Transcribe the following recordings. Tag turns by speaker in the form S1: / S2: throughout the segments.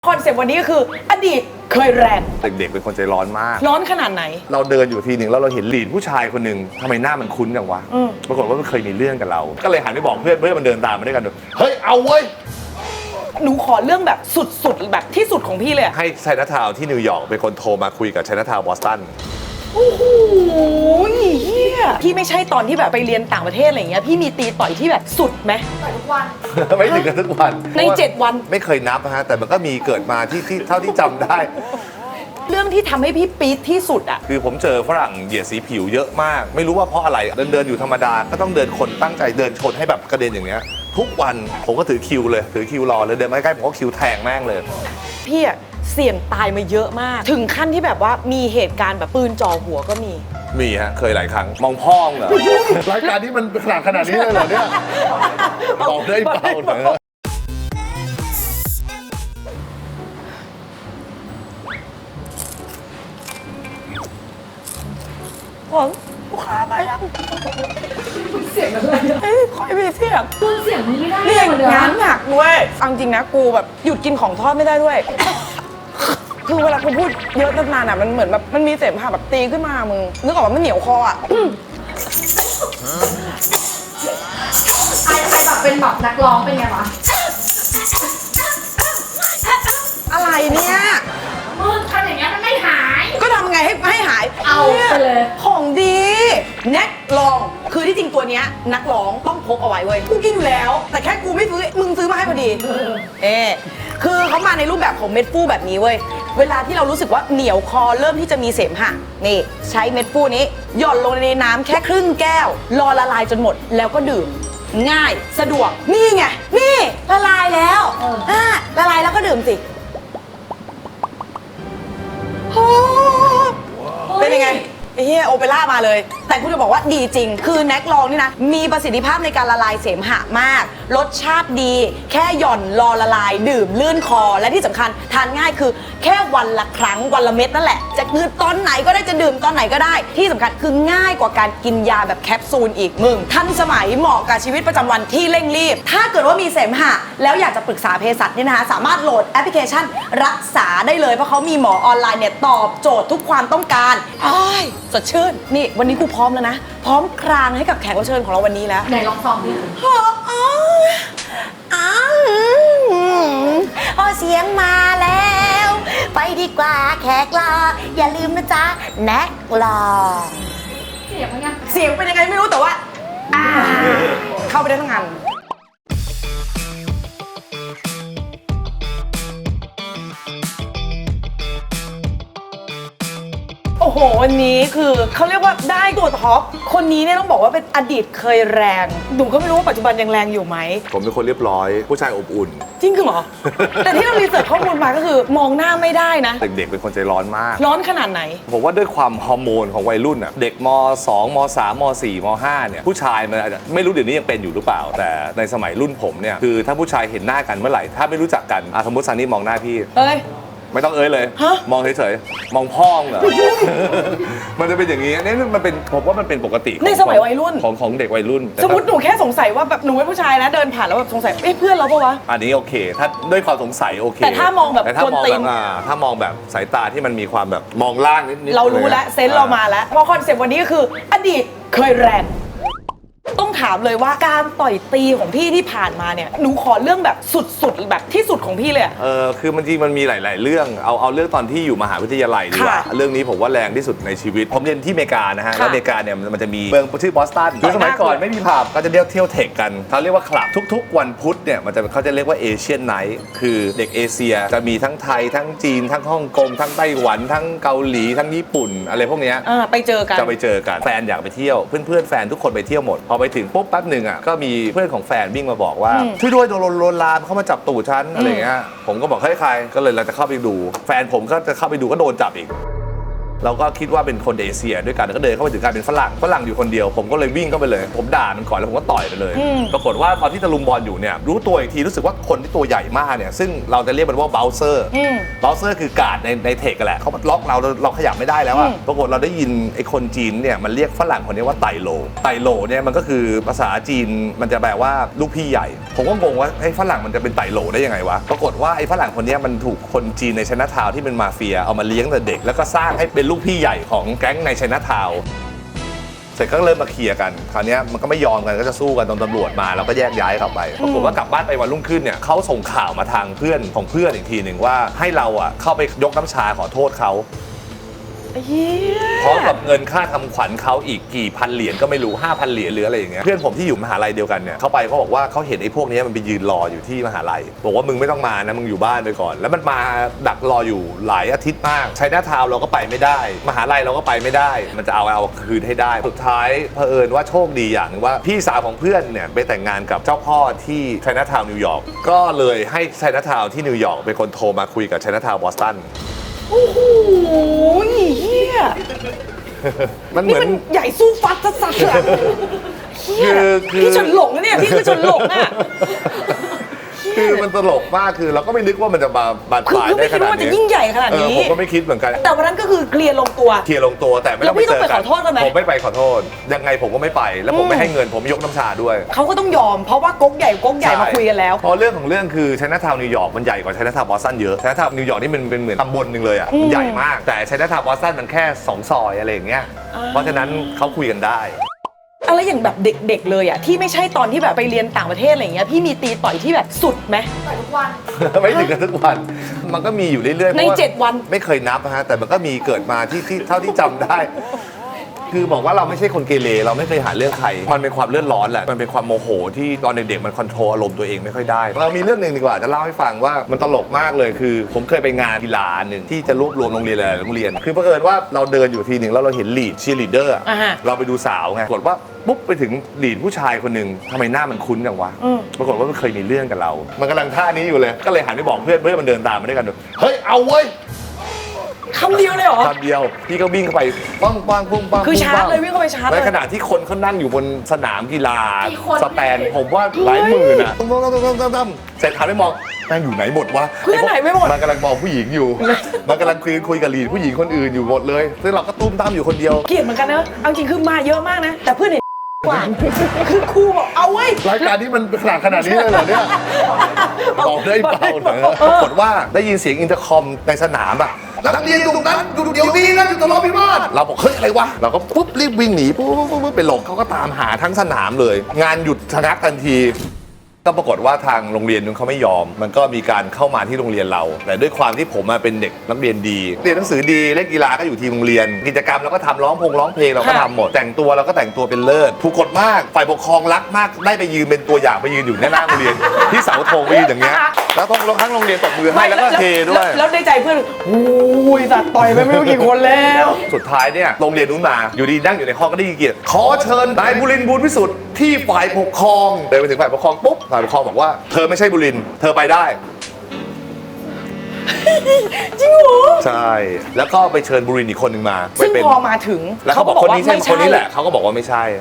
S1: คอนเซปต์วันนี้ก็คืออดีตเคยแรง
S2: เด็กๆเป็นคนใจร้อนมาก
S1: ร้อนขนาดไหน
S2: เราเดินอยู่ทีหนึ่งแล้วเราเห็นลีดผู้ชายคนหนึ่งทำไมหน้ามันคุ้นจังวะปรากฏว่ามันเคยมีเรื่องกับเรา ก็เลยหันไปบอกเพื่อนมันเดินตามมาด้วยกันดูเฮ้ยเอาเว้ย
S1: หนูขอเรื่องแบบสุดๆแบบที่สุดของพี่เลยอะ
S2: ให้ไชน่าทาวน์ที่นิวยอร์กเป็นคนโทรมาคุยกับไชน่าทาวน์บอสตัน
S1: โอ้โหเฮียพี่ไม่ใช่ตอนที่แบบไปเรียนต่างประเทศอะไรอย่างเงี้ยพี่มีตีต่อยที่แบบสุดไหม
S2: ไม่ถึงกันทุกวัน
S1: ใน7 วัน
S2: ไม่เคยนับนะฮะแต่มันก็มีเกิดมาที่เท่าที่จำได้
S1: เรื่องที่ทำให้พี่ปี๊ดที่สุดอะ
S2: คือผมเจอฝรั่งเหยียดสีผิวเยอะมาก ไม่รู้ว่าเพราะอะไรเดินอยู่ธรรมดาก็ต้องเดินคนตั้งใจเดินชนให้แบบกระเด็นอย่างเงี้ยทุกวันผมก็ถือคิวเลยถือคิวรอเลยเดินมาใกล้ผมก็คิวแทงแม่งเลย
S1: พี่อะเสี่ยงตายมาเยอะมาก ถึงขั้นที่แบบว่ามีเหตุการณ์แบบปืนจ่อหัวก็มี
S2: มีฮะเคยหลายครั้งมองพ่องเหรอ รายการนี้มันขนาดนี้เลยเหรอเนี่ยบอกได้เบาหน่อย
S1: ของลูกค้ามายังเสียงอะไรเฮ้ยคอยมีเสียง
S3: เครื่องเสียงนี้ไม่ได้
S1: เรียก
S3: หมดเลย
S1: งานหนักด้วยเอาจริงนะกูแบบหยุดกินของทอดไม่ได้ด้วย คือเวลากูพูดเยอะนานๆอ่ะมันเหมือนแบบมันมีเสมหะแบบตีขึ้นมามึงนึกออกว่ามันเหนียวคออ่ะ
S3: ไอแบบเป็นแบบนักร้องเป็นไงวะ
S1: อะไรเนี่ย
S3: มึงทำอย่างเงี้ยมันไม่หาย
S1: ก็ทำไงให้หาย
S3: เอาไปเลย
S1: ของดีแน็กลองคือที่จริงตัวเนี้ยนักร้องต้องพกเอาไว้เว้ยกูกินอยู่แล้ว แต่แค่กูไม่ซื้อมึงซื้อมาให้พอดีคือเขามาในรูปแบบของเม็ดฟูแบบนี้เว้ยเวลาที่เรารู้สึกว่าเหนียวคอเริ่มที่จะมีเสมหะนี่ใช้เม็ดฟูนี้หย่อนลงในน้ำแค่ครึ่งแก้ว รอละลายจนหมดแล้วก็ดื่ม ง่ายสะดวกนี่ไงนี่ละลายแล้วละลายแล้วก็ดื่มสิโอ้เป็นยังไงไอ้เฮียโอเปร่ามาเลย แต่คุณจะบอกว่าดีจริง คือแน็กลองนี่นะ มีประสิทธิภาพในการละลายเสมหะมาก รสชาติดี แค่หย่อนรอละลาย ดื่มลื่นคอ และที่สำคัญทานง่ายคือแค่วันละครั้งวันละเม็ดนั่นแหละ จะดื่มตอนไหนก็ได้จะดื่มตอนไหนก็ได้ ที่สำคัญคือง่ายกว่าการกินยาแบบแคปซูลอีกมึงทันสมัยเหมาะกับชีวิตประจำวันที่เร่งรีบ ถ้าเกิดว่ามีเสมหะแล้วอยากจะปรึกษาเภสัชเนี่ยนะคะสามารถโหลดแอปพลิเคชันรักษาได้เลยเพราะเขามีหมอออนไลน์เนี่ยตอบโจทย์ทุกความต้องการสดชื่นนี่วันนี้กูพร้อมแล้วนะ พร้อมครางให้กับแขกรับเชิญของเราวันนี้แล้ว
S3: ไหนลองซองดิ
S1: เสียงมาแล้ว ไปดีกว่าแขกรออย่าลืมนะจ๊ะแน็กลอง
S3: เสียงมันยัง
S1: เสียงเป็นยังไงไม่รู้แต่ว่าเข้าไปได้ทั้งงานโอ้โหวันนี้คือเขาเรียกว่าได้ตัวท็อปคนนี้เนี่ยต้องบอกว่าเป็นอดีตเคยแรงหนูก็ไม่รู้ว่าปัจจุบันยังแรงอยู่ไหม
S2: ผมเป็นคนเรียบร้อยผู้ชายอบอุ่น
S1: จริงคือเหรอ แต่ที่เรารีเสิร์ชข้อมูลมาก็คือมองหน้าไม่ได้นะ
S2: เด็กๆเป็นคนใจร้อนมาก
S1: ร้อนขนาดไหน
S2: ผมว่าด้วยความฮอร์โมนของวัยรุ่นอ่ะเด็กม 2 ม 3 ม 4 ม 5 เนี่ยผู้ชายมันอาจจะไม่รู้เดี๋ยวนี้ยังเป็นอยู่หรือเปล่า แต่ในสมัยรุ่นผมเนี่ยคือถ้าผู้ชายเห็นหน้ากันเมื่อไหร่ถ้าไม่รู้จักกันสมมติซันนี่มองหน้าพี่
S1: เอ้ย
S2: ไม่ต้องเอ้ยเลย
S1: ฮะ
S2: มองเฉยๆมองพ่องเหรอ มันจะเป็นอย่างนี้นี่มันเป็นผมว่ามันเป็นปกติของ
S1: ในสมัยวัยรุ่น
S2: ของเด็กวัยรุ่น
S1: สมมติหนูแค่สงสัยว่าแบบหนูเป็นผู้ชายนะเดินผ่านแล้วแบบสงสัยเอ๊ะเพื่อนเราปะวะ
S2: อันนี้โอเค ถ้าด้วยความสงสัยโอเค
S1: แต่ถ้ามองแบบ
S2: แต่ถ้ามอง
S1: กวนตี
S2: แบ
S1: น
S2: บถ้ามองแบบสายตาที่มันมีความแบบมองล่างนิดๆ
S1: เรารู้แล้วเซนส์เรามาแล้วเพราะคอนเซปต์วันนี้ก็คืออดีตเคยแรงต้องถามเลยว่าการต่อยตีของพี่ที่ผ่านมาเนี่ยหนูขอเรื่องแบบสุดๆแบบที่สุดของพี่เลยอะ
S2: คือมันจริงมันมีหลาย ๆ เรื่องเอาเรื่องตอนที่อยู่มหาวิทยาลัยดีกว่า
S1: ค่ะ
S2: เรื่องนี้ผมว่าแรงที่สุดในชีวิตผมเรียนที่อเมริกานะฮะ
S1: ค่ะ
S2: แล้วอเมริกาเนี่ยมันจะมีเมืองชื่อบอสตันคือสมัยก่อนไม่มีผับก็จะเที่ยวเทคกันเขาเรียกว่าคลับทุก ๆ วันพุธเนี่ยเขาจะเรียกว่าเอเชียนไนท์คือเด็กเอเชียจะมีทั้งไทยทั้งจีนทั้งฮ่องกงทั้งไต้หวันทั้งเกาหลีทั้งญี่ปุ่นอะไรพวกเนี้ย
S1: ไปเจอกัน
S2: จะไปเจอกันแฟนอยากไปเที่ยวเพื่อนๆแฟนทุกคนไปเที่ยวหมดพอไปถึงปุ๊บแป๊บหนึ่งอ่ะก็มีเพื่อนของแฟนวิ่งมาบอกว่าช่วยด้วยโดนลวนลามเข้ามาจับตูดฉันอะไรอย่างเงี้ยผมก็บอกเฮ้ยใครก็เลยเราจะเข้าไปดู แฟนผมก็จะเข้าไปดูก็โดนจับอีกเราก็คิดว่าเป็นคนเอเชียด้วยกันก็เดินเข้าไปถึงกลายเป็นฝรั่งอยู่คนเดียวผมก็เลยวิ่งเข้าไปเลยผมด่ามันก่อนแล้วผมก็ต่อยไปเลยปรากฏว่าตอนที่ตะลุมบอลอยู่เนี่ยรู้ตัวอีกทีรู้สึกว่าคนที่ตัวใหญ่มากเนี่ยซึ่งเราจะเรียกมันว่าเบลเซอร์คือการ์ดในเทคกันแหละเขาล็อกเราขยับไม่ได้แล้วอะปรากฏเราได้ยินไอ้คนจีนเนี่ยมันเรียกฝรั่งคนนี้ว่าไตโลเนี่ยมันก็คือภาษาจีนมันจะแปลว่าลูกพี่ใหญ่ผมก็งงว่าไอ้ฝรั่งมันจะเป็นไตโลได้ยังไงวะปรากฏว่าไอ้ฝรั่งคนนี้มันถูกคนจีนในไชน่าทาวน์ที่เป็นมาเฟียเอามาเลี้ยงแต่เด็กแล้วก็สร้างให้เป็นลูกพี่ใหญ่ของแก๊งในไชน่าทาวน์เสร็จก็เริ่มมาเคลียร์กันคราวนี้มันก็ไม่ยอมกันก็จะสู้กันตำรวจมาแล้วก็แยกย้ายกลับไปปรากฏว่ากลับบ้านไปวันรุ่งขึ้นเนี่ยเขาส่งข่าวมาทางเพื่อนของเพื่อนอีกทีหนึ่งว่าให้เราอะเข้าไปยกน้ำชาขอโทษเขาพร้อมกับเงินค่าทำขวัญเขาอีกกี่พันเหรียญก็ไม่รู้ 5,000 เหรียญหรืออะไรอย่างเงี้ยเพื่อนผมที่อยู่มหาลัยเดียวกันเนี่ยเขาไปเขาบอกว่าเขาเห็นไอ้พวกนี้มันไปยืนรออยู่ที่มหาลัยบอกว่ามึงไม่ต้องมานะมึงอยู่บ้านไปก่อนแล้วมันมาดักรออยู่หลายอาทิตย์มากชัยนาทาวน์เราก็ไปไม่ได้มหาลัยเราก็ไปไม่ได้มันจะเอาคืนให้ได้สุดท้ายเผอิญว่าโชคดีอย่างนึงว่าพี่สาวของเพื่อนเนี่ยไปแต่งงานกับเจ้าพ่อที่ชัยนาทาวน์นิวยอร์กก็เลยให้ชัยนาทาวน์ที่นิวยอร์กเป็นคนโทรมาคุยกับชัยนาทาวน์บอสตัน
S1: โอ้โหเฮีย
S2: มันเหมือน
S1: ใหญ่สู้ฟัดสัสๆอะพี่จนหลงนะเนี่ยพี่คือจนหลงอะ
S2: คือมันตลกมากคือเราก็ไม่นึกว่ามันจะมาบานปลายได้ขนาดนี้
S1: คือไม่คิดว่าจะยิ่งใหญ่ขนาดนี้
S2: ผมก็ไม่คิดเหมือนกัน
S1: แต่วันนั้นก็คือเคลียร์ลงตัวแต่
S2: ไม่ต้องไปเจอกันผมไม่ไปขอโทษยังไงผมก็ไม่ไปแล้วผมไม่ให้เงินผมยกน้ำชาด้วย
S1: เขาก็ต้องยอมเพราะว่าก๊กใหญ่มาคุยกันแล้ว
S2: พอเรื่องของเรื่องคือไชน่าทาวน์นิวยอร์กมันใหญ่กว่าไชน่าทาวน์บอสตันเยอะไชน่าทาวน์นิวยอร์กนี่มันเป็นเหมือนตำบลนึงเลยอ่ะมันใหญ่มากแต่ไชน่าทาวน์บอสตันมันแค่2ซอยอะไรอย่างเงี้ยเพราะฉะนั้นเขาคุยกันได้
S1: อะไรอย่างแบบเด็กๆเลยอ่ะที่ไม่ใช่ตอนที่แบบไปเรียนต่างประเทศอะไรอย่างเงี้ยพี่มีตีต่อยที่แบบสุดไหม
S3: ต่อยทุกวัน
S2: ไม่ถึงกันทุกวันมันก็มีอยู่เรื่อยๆ
S1: ใน7 วัน
S2: ไม่เคยนับนะฮะแต่มันก็มีเกิดมาที่เท่าที่จำได้คือบอกว่าเราไม่ใช่คนเกเรเราไม่เคยหาเรื่องใครมันเป็นความเลือดร้อนแหละมันเป็นความโมโหที่ตอนเด็กๆมันคอนโทรลอารมณ์ตัวเองไม่ค่อยได้เรามีเรื่องนึงดีกว่าจะเล่าให้ฟังว่ามันตลกมากเลยคือผมเคยไปงานกีฬาหนึ่งที่จะรวบรวมโรงเรียนหลายโรงเรียนคือเผอิญว่าเราเดินอยู่ทีหนึ่งแล้วเราเห็นลีดเชียร์ลีดเดอร์เราไปดูสาวไงปรากฏว่าปุ๊บไปถึงลีดผู้ชายคนหนึ่งทำไมหน้ามันคุ้นจังวะปรากฏว่ามันเคยมีเรื่องกับเรามันกำลังท่านี้อยู่เลยก็เลยหันไปบอกเพื่อนมันเดินตามมาด้วยกันดูเฮ้ยเอาเว้ย
S1: คำเดียวเลยเหรอ
S2: คำเดียวพี่ก็วิ่งเข้าไปปัง
S1: คือชาร์จเลยวิ่งเข้าไปชาร์จ
S2: ในขณะที่คนเขานั่งอยู่บนสนามกีฬาสแตนผมว่าหลายหมื่นอ่ะตั้มเสร็จหันไปมองแม่งอยู่ไหนหมดวะ
S1: เพื่อนไหนไม่หมด
S2: มันกำลังมองผู้หญิงอยู่มันกำลังคุยกับลีดผู้หญิงคนอื่นอยู่หมดเลยซึ่งเราก็ตุ้มตามอยู่คนเดียว
S1: เกลียดเหมือนกันนะเอาจริงคือมาเยอะมากนะแต่เพื่อนเนี่ยกว่าคือครูบอกเอาไว้
S2: รายการนี้มันขนาดนี้เลยเหรอเนี่ยบอกได้เบาหน่อยปรากฏว่าได้ยินเสียงอินเตอร์คอมในสนามอ่ะนักเรียนอยู่ตรงนั้นอยู่เดี๋ยวนี้นะอยู่ตลอดพิวาทเราบอกเฮ้ยอะไรวะเราก็ปุ๊บรีบวิ่งหนีปุ๊บไปหลบเขาก็ตามหาทั้งสนามเลยงานหยุดชะงักทันทีก็ปรากฏว่าทางโรงเรียนนึงเขาไม่ยอมมันก็มีการเข้ามาที่โรงเรียนเราแต่ด้วยความที่ผมเป็นเด็กนักเรียนดีเรียนหนังสือดีเล่นกีฬาก็อยู่ทีมโรงเรียนกิจกรรมเราก็ทำร้องเพลงเราก็ทำหมดแต่งตัวเราก็แต่งตัวเป็นเลิศถูกกฎมากฝ่ายปกครองรักมากได้ไปยืนเป็นตัวอย่างไปยืนอยู่หน้าโรงเรียนที่เสาธงไปยืนอย่างเงี้ยแล้วต้องทั้งโรงเรียนตบมือให้แล้วก็เทด้วย
S1: แล้วในใจเพื่อนอุ้ยสัตว์ต่อยไปไม่รู้กี่คนแล้ว
S2: สุดท้ายเนี่ยโรงเรียนนู้นมาอยู่ดีนั่งอยู่ในห้องก็ได้ยินเกียรติขอเชิญนายบุรินทร์บุญวิสุทธิ์ที่ฝ่ายปกครองเดินไปถึงฝ่ายปกครองปุ๊บฝ่ายปกครองบอกว่าเธอไม่ใช่บุรินทร์เธอไปได้
S1: จริงเหรอ
S2: ใช่แล้วก็ไปเชิญบุรินทร์อีกคนหนึ่งมา
S1: ซึ่งพอมาถึง
S2: แล้วเขาบอกคนนี้ใช่คนนี้แหละเขาก็บอกว่าไม่ใช่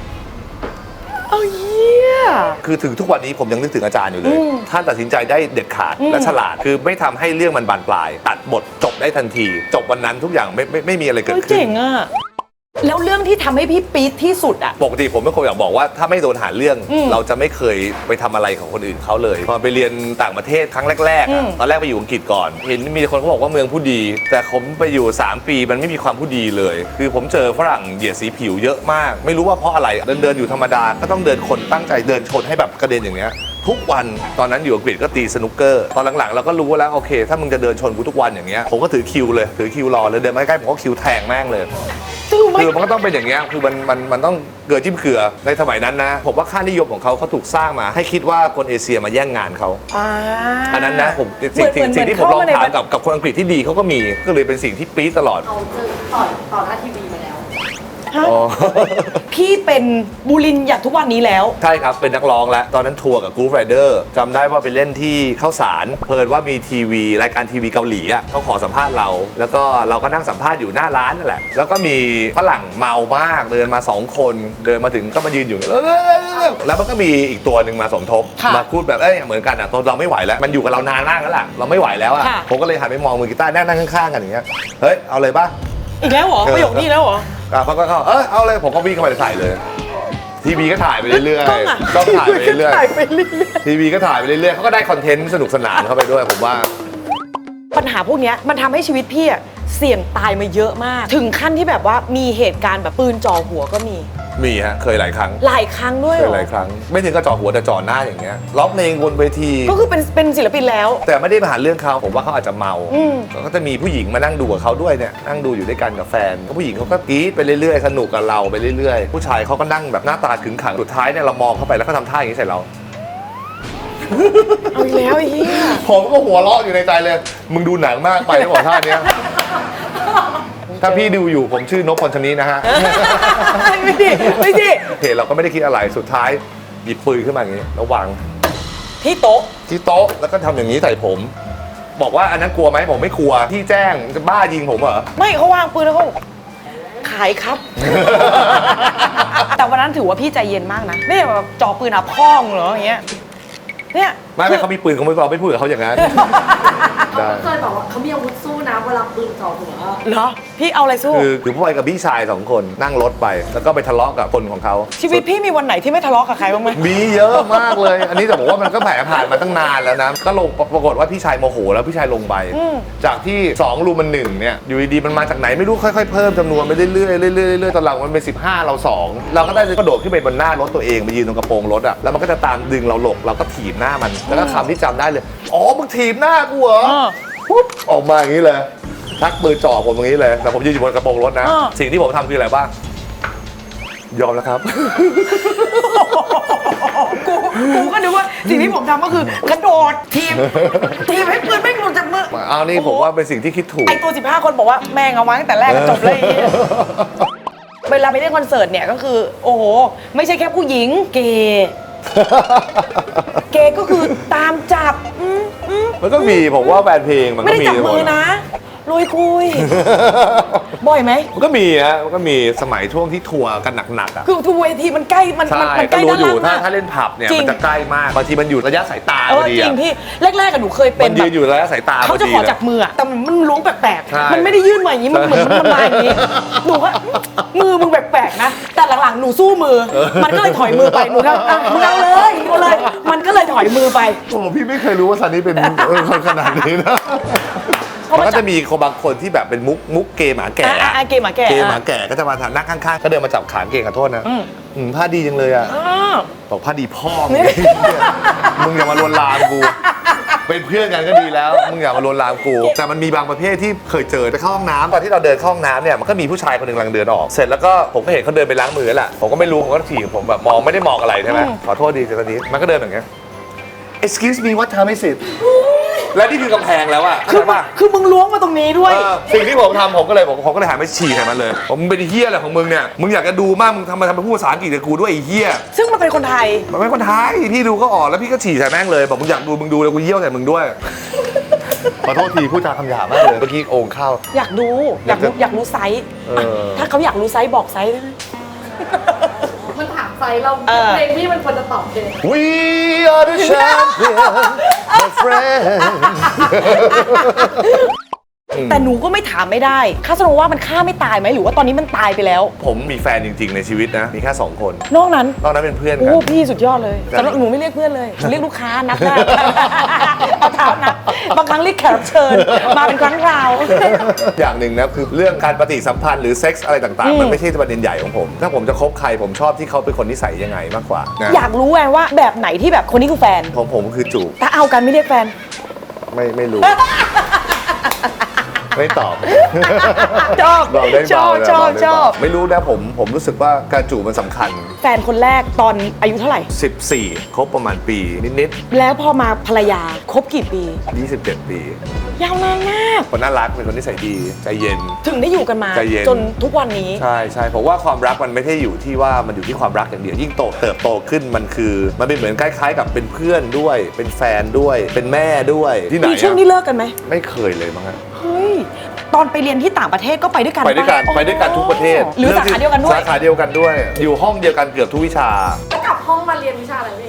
S2: คือถึงทุกวันนี้ผมยังนึกถึงอาจารย์อยู่เลยท่านตัดสินใจได้เด็ดขาดและฉลาดคือไม่ทำให้เรื่องมันบานปลายตัดบทจบได้ทันทีจบวันนั้นทุกอย่างไม่มีอะไรเกิดขึ้น
S1: เจ๋งอ่ะแล้วเรื่องที่ทำให้พี่ปี๊ดที่สุดอ่ะ
S2: ปกติผมไม่เคยอยากบอกว่าถ้าไม่โดนหาเรื่องเราจะไม่เคยไปทำอะไรของคนอื่นเขาเลยพอไปเรียนต่างประเทศครั้งแรกๆตอนแรกไปอยู่อังกฤษก่อนเห็นมีคนเขาบอกว่าเมืองผู้ดีแต่ผมไปอยู่3 ปีมันไม่มีความผู้ดีเลยคือผมเจอฝรั่งเหยียดสีผิวเยอะมากไม่รู้ว่าเพราะอะไรเดินอยู่ธรรมดาก็ต้องเดินคนตั้งใจเดินชนให้แบบกระเด็นอย่างเงี้ยทุกวันตอนนั้นอยู่อังกฤษก็ตีสนุกเกอร์ตอนหลังๆเราก็รู้แล้วโอเคถ้ามึงจะเดินชนกูทุกวันอย่างเงี้ยผมก็ถือคิวรอเลยเดินมาใกล้ผมก็คิวแทงแม่งเลยคือมันก็ต้องเป็นอย่างเงี้ยคือมันต้องเกลือจิ้มเกลือในสมัยนั้นนะผมว่าค่านิยมของเขาถูกสร้างมาให้คิดว่าคนเอเชียมาแย่งงานเขาอันนั้นนะผมสิ่งที่ผมลองถามกับคนอังกฤษที่ดีเขาก็มีก็เลยเป็นสิ่งที่ปี๊ดตลอด
S3: เขาเจอต่อหน้าทีวีมาแล้ว
S1: ฮะ
S2: อ๋อ
S1: พี่เป็นบูลินอย่างทุกวันนี้แล้ว
S2: ใช่ครับ เป็นนักร้องแล้ว ตอนนั้นทัวร์กับกู๊ฟไรเดอร์จำได้ว่าไปเล่นที่ข้าวสารเพลินว่ามีทีวีรายการทีวีเกาหลีอ่ะเขาขอสัมภาษณ์เรา แล้วก็เราก็นั่งสัมภาษณ์อยู่หน้าร้านนั่นแหละ แล้วก็มีฝรั่งเมามากเดินมา2 คนเดินมาถึงก็มายืนอยู่แล้วมันก็มีอีกตัวหนึ่งมาสมทบ
S1: ค่ะ
S2: มาพูดแบบเหมือนกันอ่ะตอนเราไม่ไหวแล้วมันอยู่กับเรานานมากแล้วล่ะเราไม่ไหวแล้วอ่ะ
S1: ค่ะ
S2: ผมก็เลยหันไปมองมือกีตาร์นั่งข้างๆกันอย่างเงี้ยเฮ้ยเอาเลยป่ะ
S1: อีกแล้วเหรอประโยคนี้แล้วเหรอ
S2: เขาก็เข้าเอาเลยผมก็วิ่งเข้าไปใส่เลย ทีวีก็ถ่ายไปเรื่อย
S1: กล้องอะ
S2: ๆกล้องถ่ายไปเรื่อย
S1: ถ่ายไปเรื่อย
S2: ๆทีวีก็ถ่ายไปเรื่อยๆเขาก็ได้คอนเทนต์สนุกสนานเข้าไปด้วยผมว่า
S1: ๆปัญหาพวกเนี้ยมันทำให้ชีวิตพี่อะเสี่ยงตายมาเยอะมาก ถึงขั้นที่แบบว่ามีเหตุการณ์แบบปืนจ่อหัวก็มี
S2: มีฮะเคยหลายครั้ง
S1: หลายครั้งด้วย
S2: เค
S1: เหร
S2: ย
S1: อ
S2: หลายครั้ง ไม่ถึงกับจ่อหัวแต่จ่อหน้าอย่างเงี้ยร้องเพลงบนเวที
S1: ก็คือเป็นศิลปินแล้ว
S2: แต่ไม่ได้มาหาเรื่องเขาผมว่าเขาอาจจะเมา
S1: อืม
S2: แล้วก็จะมีผู้หญิงมานั่งดูกับเขาด้วยเนี่ยนั่งดูอยู่ด้วยกันกับแฟนผู้หญิงเขาก็กรี๊ดไปเรื่อยๆสนุกกับเราไปเรื่อยๆผู้ชายเขาก็นั่งแบบหน้าตาขึงขังสุดท้ายเนี่ยเรามองเข้าไปแล้วก็ทำท่าอย่างนี้ใส่เรา
S1: เอาอีกแล้วไอ้เหี้ย
S2: ผมก็หัวเราะอยู่ในใจเลย มึงดูหนังมากไปแล้วบอกท่าเนี้ย ถ้าพี่ดูอยู่ผมชื่อนพพลชนีนะฮะ
S1: ไม่ดิไม่ดิ
S2: เพจเราก็ไม่ได้คิดอะไร สุดท้ายหยิบปืนขึ้นมาอย่างนี้แล้ววาง
S1: ที่โต๊ะ
S2: ที่โต๊ะแล้วก็ทำอย่างนี้ใส่ผม บอกว่าอันนั้นกลัวไหมผมไม่กลัวที่แจ้งจะบ้ายิงผมเหรอ
S1: ไม่เขาวางปืนแล้วเขาบอกขายครับ แต่วันนั้นถือว่าพี่ใจเย็นมากนะ ไม่ได้แบบจ่อปืนอะพ่องเหรออย่างเงี้ย เนี่ย
S2: ไม่เขามีปืนเขาไม่เราไม่พูดกับเขาอย่างนั้น ได้
S3: เคยบอกว่าเขามีอาวุธสู้นะเวลาปืนจ่อหัว
S1: เหรอ พี่เอาอะไรสู้
S2: คือพ่อไปกับพี่ชาย2 คนนั่งรถไป แล้วก็ไปทะเลาะกับคนของเขา
S1: ชีวิตพี่มีวันไหนที่ไม่ทะเลาะกับใครบ้างไหม
S2: มีเยอะมากเลย อันนี้จะบอกว่ามันก็แผลผ่านมาตั้งนานแล้วนะ ก็ลงปรากฏว่าพี่ชายโมโหแล้วพี่ชายลงไป จากที่2รุมมัน1เนี่ย อยู่ดีๆมันมาจากไหนไม่รู้ค่อยๆเพิ่มจำนวนไปเรื่อยๆเรื่อยๆเรื่อยๆตอนหลังมันเป็น15เรา2เราก็ได้กระโดดขึ้นไปบนหน้ารถตัวเองไปยืนตรงกระโปรงรถอ่ะ แล้วมันก็จะตามดึงเราหลบเราก็ถีบหน้ามัน แล้วก็คำที่จำได้เลย อ๋อ มึงถีบหน้ากูเหรอ ปุ๊บออกมาอย่างนี้เลยทักปืนจ่อผมตรงนี้เลยแต่ผมยืนอยู่บนกระโปรงรถนะ สิ่งที่ผมทำคืออะไรบ้างยอมแล้วครับ
S1: กูก็นึกว่าสิ่งที่ผมทำก็คือกระโดดทีมให้ปืนไม่หลุดจากมือ
S2: เอานี่ผมว่าเป็นสิ่งที่คิดถูก
S1: ไอตัว 15 คนบอกว่าแม่งเอาไว้ตั้งแต่แรกก็จบเลยไอ้เหี้ยเวลาไปเล่นคอนเสิร์ตเนี่ยก็คือ โอ้โห ไม่ใช่แค่ผู้หญิงเกย์เกย์ก็คือตามจับ
S2: มันก็มีผมว่าแฟนเพลงมัน
S1: ไม่
S2: ก็
S1: ได้
S2: มี
S1: จับมือนะลุยคุย บ่อยไหม
S2: มันก็มีฮะมันก็มีสมัยช่วงที่ทัวร์กันหนักๆอ่ะ
S1: คือทุกเวทีมันใกล้มัน
S2: ใช่
S1: มันใก
S2: ก็
S1: ล้
S2: รู้
S1: ด้าน
S2: อ
S1: ล่า
S2: ยู่
S1: งมาก
S2: ถ้าเล่นผับเนี่ย
S1: จริง
S2: มันจะใกล้มากบางทีมันอยู่ระยะสายตา
S1: เอ
S2: พ
S1: อ
S2: อดี
S1: จริ
S2: อะ
S1: งพี่แรกๆกับหนูเคยเป็
S2: มัน น
S1: แบ
S2: ยื
S1: บ
S2: นอยู่ระยะสายตาพ
S1: เขา
S2: อ
S1: จะ
S2: ดี
S1: ขอ
S2: เลย
S1: จากมืออะแต่มันล้วงแปลก
S2: ใช่
S1: ๆ มันไม่ได้ยื่นมาอย่างนี้ มันเหมือนมันมาอย่างนี้ หนูก็มือมึงแปลกๆนะ แต่หลังๆ หนูสู้มือ มันก็เลยถอยมือไป หนูก็อ่ะมึงเอาเลยมึงเอาเลย มันก็เลยถอยมือไป
S2: โอ้โหพี่ไม่เคยรู้ว่าซันนี่เป็นคนขนาดนี้นะ
S1: เพราะ
S2: มัน
S1: มัน
S2: ก็จะมีคนบางคนที่แบบเป็นมุกเกย์หมาแก่
S1: เกมหมาแก่
S2: เกย์หมาแก่ก็จะมาทางนั่งข้างๆก็เดินมาจับขาเกย์ขอโทษนะผ้าดีจังเลยอ่ะ
S1: อ้าว
S2: บอกผ้าดีพ่อมึงมึงอย่ามาลวนลามกู เป็นเพื่อนกันก็ดีแล้ว มึงอย่ามาลวนลามกู แต่มันมีบางประเภทที่เคยเจอไปเข้าห้องน้ำตอนที่เราเดินเข้าห้องน้ำเนี่ยมันก็มีผู้ชายคนหนึ่งกำลังเดินออก เสร็จแล้วก็ผมก็เห็นเขาเดินไปล้างมือแหละผมก็ไม่รู้ผมก็ถีบผมแบบมองไม่ได้มองอะไรใช่ไหมขอโทษดีแต่ตอนนี้มันก็เดินอย่างเงี้ย excuse me what time is it และนี่คือกำแพงแล้วอะเข้าใจปะ
S1: คือมึงล้วงมาตรงนี้ด้วย
S2: สิ่งที่ผมทำผมก็เลยหันไปฉี่ใส่มันเลยผมเป็นเฮี้ยอะไรของมึงเนี่ยมึงอยากจะดูมากมึงทำไมพูดภาษาอังกฤษกับกูด้วยไอ้เฮี้ย
S1: ซึ่งมันเป็นคนไทย
S2: มันไม่คนไทยพี่ดูก็ออกแล้วพี่ก็ฉี่ใส่แม่งเลยบอกมึงอยากดูมึงดูแล้วกูเยี่ยวใส่มึงด้วย ขอโทษทีพูดจาคำหยาบมากเลยเมื่อกี้โอ่งเข้า
S1: อยากดู อยากรู้ไซส์
S2: เออ
S1: ถ้าเขาอยากรู้ไซส์บอกไซส์ได้ไหม
S3: มันถามไฟเรา
S1: เออ
S3: เพลงพี่มันควรจะตอบเพลง
S2: We are the champion my friend
S1: แต่หนูก็ไม่ถามไม่ได้คาสโนว่ามันฆ่าไม่ตายไหมหรือว่าตอนนี้มันตายไปแล้ว
S2: ผมมีแฟนจริงๆในชีวิตนะมีแค่2 คน
S1: นอกนั้น
S2: นอกนั้นเป็นเพื่อนกั
S1: โอ้
S2: น
S1: พี่สุดยอดเลย
S2: ครับ
S1: สำหรับหนูไม่เรียกเพื่อนเลยหนูเรียกลูกค้านับได้ เอาเท้านับบางครั้งเรียกแขกรับเชิญ มาเป็นครั้งคราว
S2: อย่างหนึ่งนะคือเรื่องการปฏิสัมพันธ์หรือเซ็กส์อะไรต่างๆ มันไม่ใช่ประเด็นใหญ่ของผม ถ้าผมจะคบใครผมชอบที่เขาเป็นคนนิสัยยังไงมากกว่านะ
S1: อยากรู้ไงว่าแบบไหนที่แบบคนนี้คือแฟน
S2: ของผมคือจูบ
S1: ถ้าเอากันไม่เรียกแฟน
S2: ไม่รู้ ไไม่ตอบ
S1: ชอบ
S2: เราได้
S1: ช
S2: เบา
S1: อบ
S2: เลย
S1: ชอบ
S2: เราได้
S1: ชอบ
S2: เบาไม่รู้นะผมรู้สึกว่าการจูบมันสำคัญ
S1: แฟนคนแรกตอนอายุเท่าไหร่
S2: 14 ครบประมาณปีนิด
S1: แล้วพอมาภรรยาคบกี่ปี
S2: ๆ27 ปี
S1: ยาวนานมาก
S2: คนน่ารักเป็นคนที่ใส่ดีใจเย็น
S1: ถึงได้อยู่กันมา
S2: ใจเย็น
S1: จนทุกวันนี้
S2: ใช่ใช่ผมว่าความรักมันไม่ได้อยู่ที่ว่ามันอยู่ที่ความรักอย่างเดียวยิ่งเติบโตขึ้นมันคือมันเป็นเหมือนคล้ายๆ กับเป็นเพื่อนด้วย เป็นแฟนด้วย เป็นแม่ด้วยที่ไหน
S1: มีช่วง
S2: อะ
S1: ที่เลิกกันไหม
S2: ไม่เคยเลยมั้งฮะ
S1: เฮ้ย ตอนไปเรียนที่ต่างประเทศก็ไปด้วยกัน
S2: ไปด้วยกัน
S1: ปะ
S2: ไปด้วยกันทุกประเทศ
S1: หรือสาขาเดียวกันด้วย
S2: สาขาเดียวกันด้วย อยู่ห้องเดียวกันเกือบทุกวิชา
S3: แล้วกลับห้องมาเรียนวิชาอะไรพี่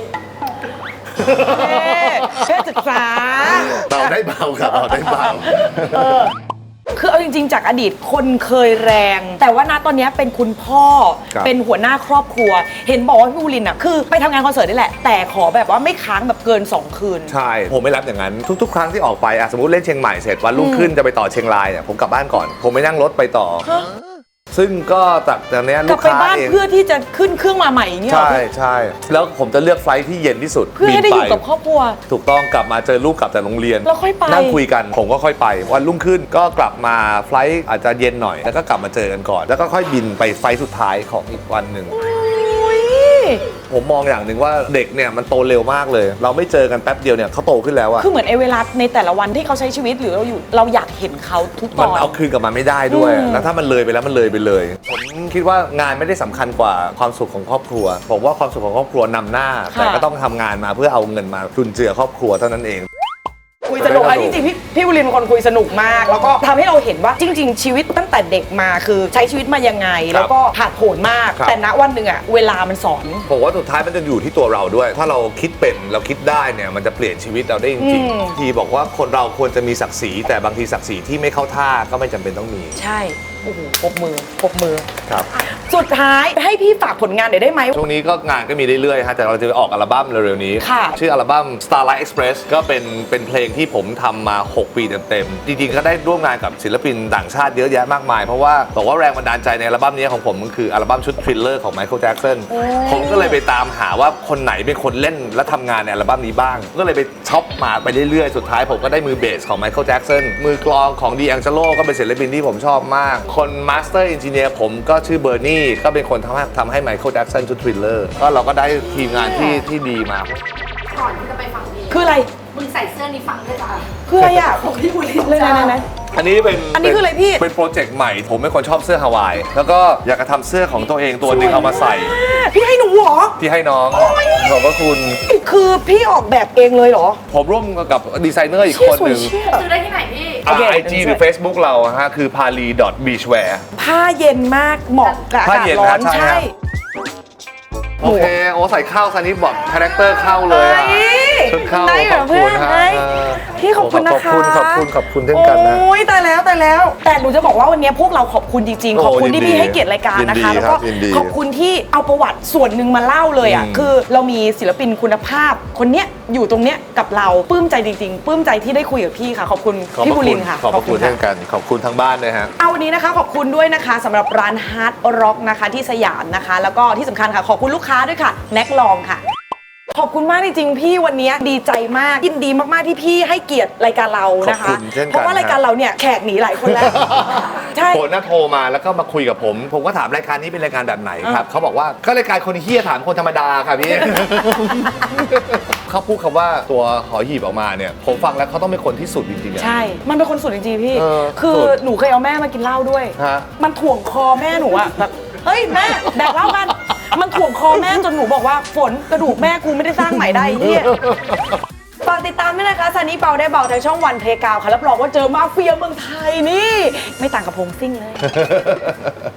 S1: เพศศึกษา
S2: เราได้เบาครับเราได้เบา
S1: คือเอาจริงๆ จากอดีตคนเคยแรง แต่ว่าณตอนนี้เป็นคุณพ่อ
S2: ครับ
S1: เป็นหัวหน้าครอบครัว เห็นบอกว่าพี่บูลินอ่ะคือไปทำงานคอนเสิร์ตนี่แหละ แต่ขอแบบว่าไม่ค้างแบบเกิน 2 คืน
S2: ใช่ ผมไม่รับอย่างนั้น ทุกๆ ครั้งที่ออกไปอะสมมติเล่นเชียงใหม่เสร็จวันรุ่งขึ้นจะไปต่อเชียงรายเนี่ยผมกลับบ้านก่อน ผมไม่นั่งรถไปต่อ ซึ่งก็จากเนี้ย
S1: ก
S2: ลู
S1: ลับ
S2: ก
S1: ไป
S2: ค้า
S1: บ้าน
S2: เอง
S1: เพื่อที่จะขึ้นเครื่องมาใหม่อย่างเงี้ยเหร
S2: ใช่
S1: อ
S2: ใช่แล้วผมจะเลือกไฟล์ที่เย็นที่สุด
S1: เพื่อให้ได้อยู่กับครอบครัว
S2: ถูกต้องกลับมาเจอลูกกลับจากโรงเรียน
S1: แล้วค่อยไป
S2: นั่งคุยกันผมก็ค่อยไป วันรุ่งขึ้นก็กลับมาไฟล์อาจจะเย็นหน่อย แล้วก็กลับมาเจอกันก่อน แล้วก็ค่อยบินไปไฟล์สุดท้ายของอีกวันหนึ่ง
S1: โอ้ย
S2: ผมมองอย่างหนึ่งว่าเด็กเนี่ยมันโตเร็วมากเลย เราไม่เจอกันแป๊บเดียวเนี่ยเขาโตขึ้นแล้วอะ
S1: คือเหมือนไอ้เวลาในแต่ละวันที่เขาใช้ชีวิตหรือเราอยู่เราอยากเห็นเขาทุกต
S2: มัน
S1: อน
S2: เอาคืนกลับมาไม่ได้ด้วย
S1: อืม
S2: แล้วถ้ามันเลยไปแล้วมันเลยไปเลย ผมคิดว่างานไม่ได้สำคัญกว่าความสุขของครอบครัว ผมว่าความสุขของครอบครัวนำหน้า แต่ก็ต้องทำงานมาเพื่อเอาเงินมาจุนเจือครอบครัวเท่านั้นเอง
S1: คุยสนุกอันนี้จริงๆพี่บุรินทร์เป็นคนคุยสนุกมาก แล้วก็ทำให้เราเห็นว่าจริง ๆ ชีวิตตั้งแต่เด็กมาคือใช้ชีวิตมายังไง แล้วก็ผ่าดโผนมาก
S2: ครับ
S1: แต่ณวันหนึ่งอะเวลามันสอน
S2: ผมว่าสุดท้ายมันจะอยู่ที่ตัวเราด้วย ถ้าเราคิดเป็นเราคิดได้เนี่ยมันจะเปลี่ยนชีวิตเราได้จริง
S1: อืม
S2: ๆทีบอกว่าคนเราควรจะมีศักดิ์ศรีแต่บางทีศักดิ์ศรีที่ไม่เข้าท่าก็ไม่จำเป็นต้องมี
S1: ใช่โอ้โหปรบมือปรบมือ
S2: ครับ
S1: สุดท้ายให้พี่ฝากผลงานหน่อยได้ไหม
S2: ช่วงนี้ก็งานก็มีเรื่อยๆฮะแต่เราจะออกอัลบั้มเร็วๆนี้
S1: ค่ะ
S2: ชื่ออัลบั้ม Starlight Express ก็เป็นเพลงที่ผมทำมา 6 ปีเต็มๆ จริงๆ ก็ได้ร่วมงานกับศิลปินต่างชาติเยอะแยะมากมาย เพราะว่าบอกว่าแรงบันดาลใจในอัลบั้มนี้ของผมมันคืออัลบั้มชุด Thriller ของ Michael Jackson ผมก็เลยไปตามหาว่าคนไหนเป็นคนเล่นและทำงานในอัลบั้มนี้บ้าง ก็เลยไปช็อปมาไปเรื่อยๆ สุดท้ายผมก็ได้มือเบสของ Michael Jackson มือกลองของ D'Angelo ก็เป็นศิลปินที่ผมชอบมาก คน Master Engineer ผมก็ชื่อเบอร์นี่ก็เป็นคนทำให้ Michael Jackson ชุด Thriller ก็เราก็ได้ทีมงานที่ดีมา
S3: ก่อนที่จะไปฟังเพลง
S1: คืออะไร
S3: มึงใส่เสื้อนี้ฟังด้วยจ้ะ
S1: คืออะไรอะ
S3: ของพี่บุรินทร์
S1: เลย
S3: จ้ะ
S1: นะ
S2: อันนี้เป็น
S1: อันนี้คืออะไรพี่
S2: เป็นโปรเจกต์ใหม่ ผมเป็นคนชอบเสื้อฮาวาย แล้วก็อยากจะทำเสื้อของตัวเองตัวหนึ่งเอามาใส่
S1: พี่ให้หนูเหรอ
S2: ที่ให้น้องขอบพระคุณ
S1: คือพี่ออกแบบเองเลยเหรอ
S2: ผมร่วมกับดีไซเนอร์อีก
S1: เชี่
S2: ค
S1: ย
S2: น
S1: สว
S2: ห
S1: ย
S2: นึ่ง
S1: เชี่ย
S3: ซื้อได้ที่ไหนพี่
S1: โอเค
S2: ไอจีหรือ Facebook เราฮะคือ pali.beachwear
S1: ผ้าเย็นมากเหมาะกับอา
S2: ผ้าก
S1: าศ
S2: เย็น
S1: ร้อน
S2: นะใช่
S1: ใช่
S2: โอเค โอ้ใส่ข้าวซันนี่บอกคาแรคเตอร์เข้าเลยอะ
S1: เฮ้ย
S2: ชุดเข้า
S1: ได้เหร
S2: ข
S1: อ
S2: อบ
S1: เพื่
S2: คุ
S1: อ
S2: ณ
S1: น
S2: ฮะ
S1: เฮ้ย พี่ขอบคุณนะคะ
S2: ขอบคุณเช่นกันนะ
S1: โอ้ยตายแล้ว แต่หนูจะบอกว่าวันนี้พวกเราขอบคุณจริงๆ ขอบคุณที่พี่ให้เกียรติรายการนะคะ
S2: ยินดี
S1: แล้วก็
S2: ครับยินดี
S1: ขอบคุณที่เอาประวัติส่วนหนึ่งมาเล่าเลยอ่ะ
S2: อืม
S1: คือเรามีศิลปินคุณภาพ คนเนี้ยอยู่ตรงเนี้ยกับเราปลื้มใจจริงๆปลื้มใจที่ได้คุยกับพี่ค่ะ ขอบคุณ
S2: ขอบพ
S1: พี่
S2: ระ
S1: บุ
S2: คุ
S1: ริ
S2: ณ
S1: นทร์ค่ะ
S2: ขอบพระคุณ
S1: ค่ะ
S2: เช่นกัน ขอบคุณทั้งบ้านเลยฮะ
S1: เอาวันนี้นะคะขอบคุณด้วยนะคะสำหรับร้าน Hard Rock นะคะที่สยามนะคะ แล้วก็ที่สำคัญค่ะขอบคุณลูกค้าด้วยค่ะแน็กลองค่ะ ขอบคุณมากจริงๆพี่วันนี้ดีใจมากยินดีมากๆที่พี่ให้เกียรติรายการเรานะคะ
S2: ขอบคุณเช่นกัน
S1: เพราะว่ารายการเราเนี่ยแขกหนีหลายคนแล้ว ใช่
S2: โหน่าโทรมาแล้วก็มาคุยกับผม ผมก็ถามรายการนี้เป็นรายการแบบไหนครับ
S1: อ่า
S2: เขาบอกว่าก็รายการคนเฮี้ยถามคนธรรมดาค่ะพี่ เขาพูดคำว่าตัวหอหีบออกมาเนี่ย ผมฟังแล้วเขาต้องเป็นคนที่สุดจริงๆอะ
S1: ใช่ มันเป็นคนสุดจริงๆพี่
S2: เออ
S1: คือ
S2: สุด
S1: หนูเคยเอาแม่มากินเหล้าด้วย
S2: ฮะ
S1: มันถ่วงคอแม่หนูอะแบบเฮ้ยแม่แดกเหล้ากัน มันถ่วงคอแม่จนหนูบอกว่าฝนกระดูกแม่กูไม่ได้สร้างใหม่ได้ไอ้เฮียฝากติดตามด้วยนะคะซันนี่เบาได้เบาทางช่องวันเพกาวค่ะรับรองว่าเจอมาเฟียเมืองไทยนี่ ไม่ต่างกับพงซิ่งเลย